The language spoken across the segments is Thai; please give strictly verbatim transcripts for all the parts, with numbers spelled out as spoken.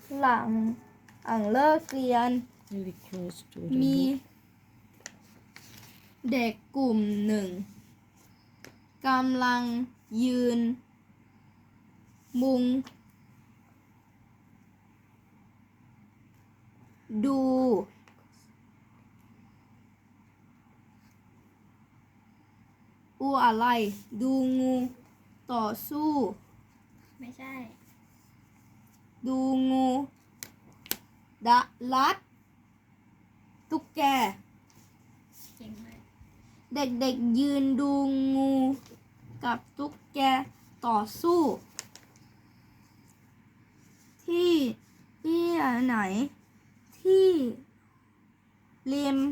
หลังหลังเลิกเรียน very close to มี the book เด็กกลุ่มหนึ่งกำลังยืน มุง ดู อูอะไร ดูงูต่อสู้ไม่ใช่ดูงูดะลัด ตุ๊กแกเก่งมากเด็กๆยืนดูงูกับตุ๊กแกต่อสู้ ที่ที่ไหน ที่ริม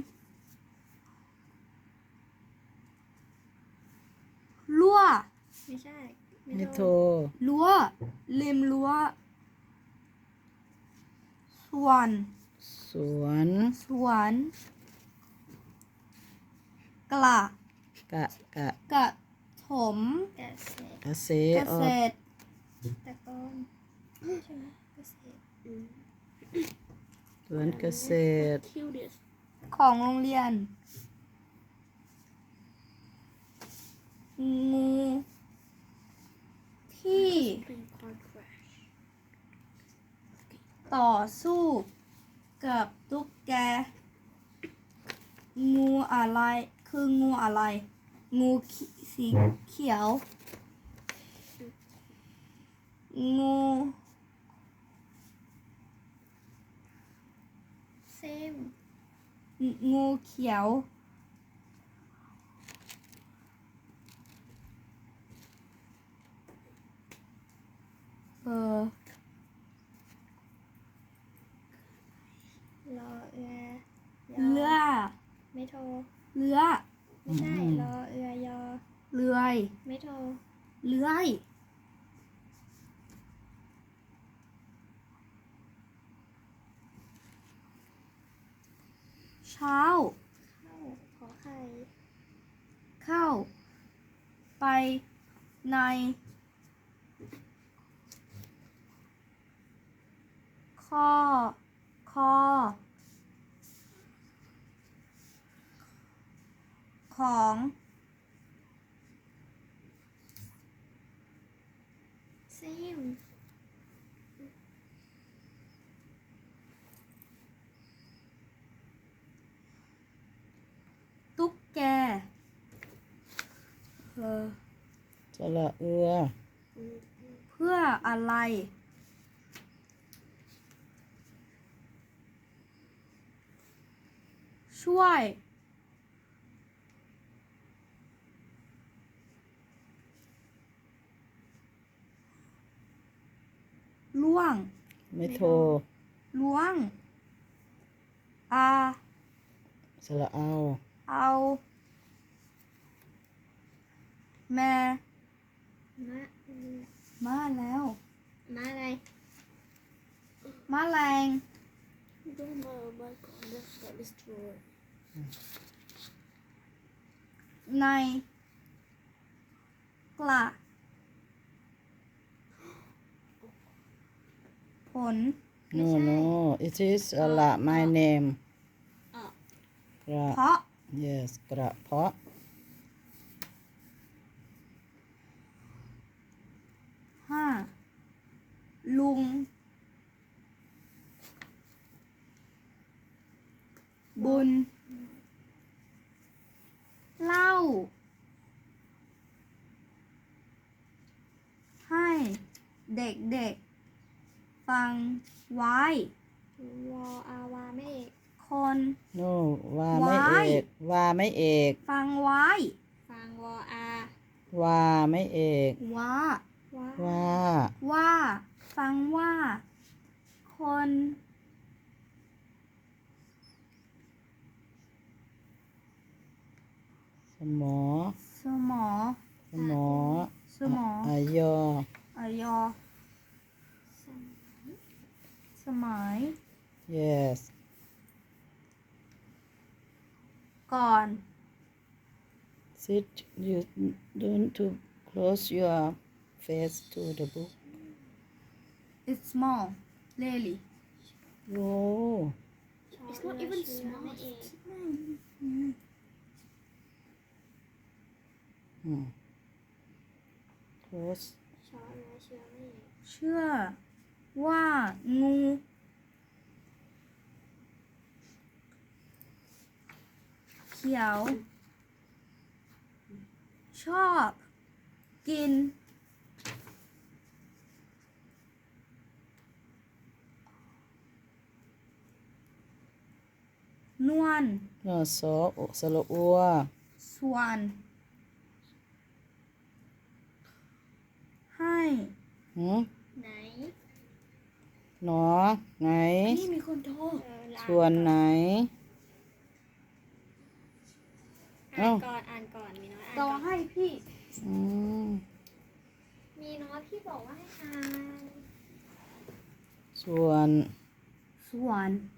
รั้วไม่ใช่ ไม่ไม่โทโทรรรั้วริมรั้วสวนสวนสวนกระกะกะกระถมเกษตรเกษเกอษอกตรตะกอนใช่ไหมเกษตรอืมสวนเกษตรคิวดิสของโรงเรียน งูที่เป็นคอนแครชต่อสู้กับตุ๊กแก งูอะไร คืองูอะไร งูขีสีเขียว งูเซมงูเขียว เออรอเอือยอเรือไม่โทรเรือไม่ใช่ รอเอือยอเรือยไม่โทรเลื้อยเช้าเข้าขอไข่เข้า ไป ใน ข้อ คอ ของเซมตุ๊กแก เออสระเอือเพื่ออะไร ช่วย ล่วงไม่โทรล้วง อาสระเอาเอา แม่มะอืมมาแล้วมะอะไรมาแรง Don't know my contact that is true ใน กระ ผล no no it is สระ my name อ่ะกระเพราะ yes กระเพาะห้า ลุง บุญ เล่า ให้เด็กๆ ฟังไว้วออาวาไม่เอกคน no ว่าไม่เอกว่าไม่เอกฟังไว้ฟังวออาว่าไม่เอกว่าว่าว่าว่า ฟังว่า คนสมอสมอสมอสมออายออายอ สมัย yes ก่อน sit you don't to close your face to the book it's small really โอ้ It's not even small. อืม close ชอเรือเชื่อไม่เชื่อว่างู เขียว ชอบ กิน นวลนอสออุสระอัวส่วน ให้หืมไหนหนอไหนนี่มีคนโทรเออลาส่วนไหนอ่านก่อนอ่านก่อนมีน้อยอ่านต่อก่อนให้พี่อืมมีน้อยพี่บอกว่าให้อ่านส่วนส่วน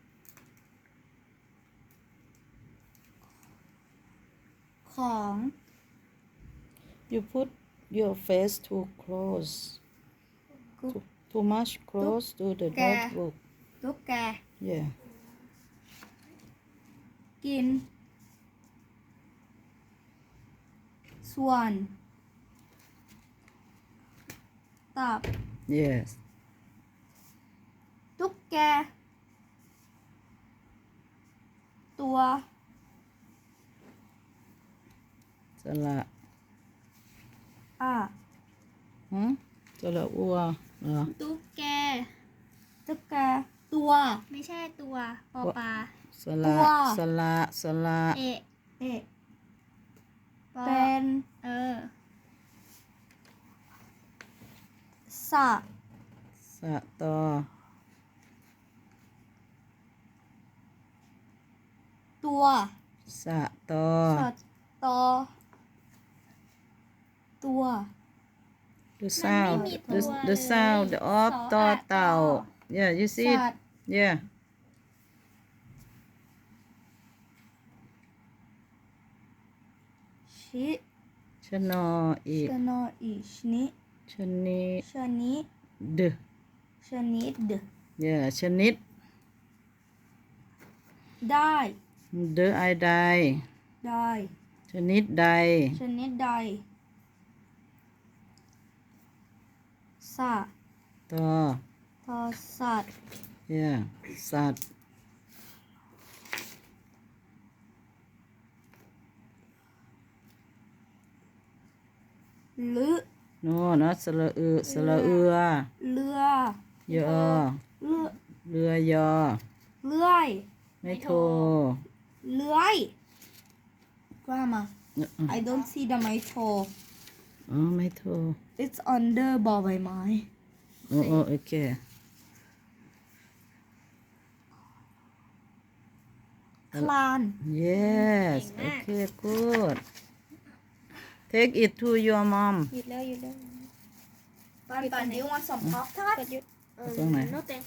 ของ you put your face too close too, too much close to the Kè. notebook ตุ๊กแก yeah กิน ส่วน ตับ yes ตุ๊กแก ตัวสระอ่ะหืมสระอัวเหรอตุ๊กแกตุ๊กแก ตัวไม่ใช่ตัวปอปลาสระตัวสระสระเอะเอะปอเป็นเออสะสะตอตัวสะตอสะตอ ตัว the sound the the sound of ต่อเต่า yeah you see it สัตว์ yeah ชิชนออีกชนออีชนิชนิดชนิดดชนิด yeah ชนิดได้เดอไอใดได้ชนิดใดชนิดใดสะต่อทอสัตว์ yeah สัตว์หรือ no not สระอือสระเอือเรือยอเรือเรือยอเลื่อยไม่โทรเลื่อย Grandma I don't see the mito อ๋อไม่โทร it's under บอใบไม้โอ้โอ้โอเคคลาน yes โอเค good take it to your mom หยุดแล้วหยุดแล้วปันปัน do you want some pop กดหยุดตรงไหน no thank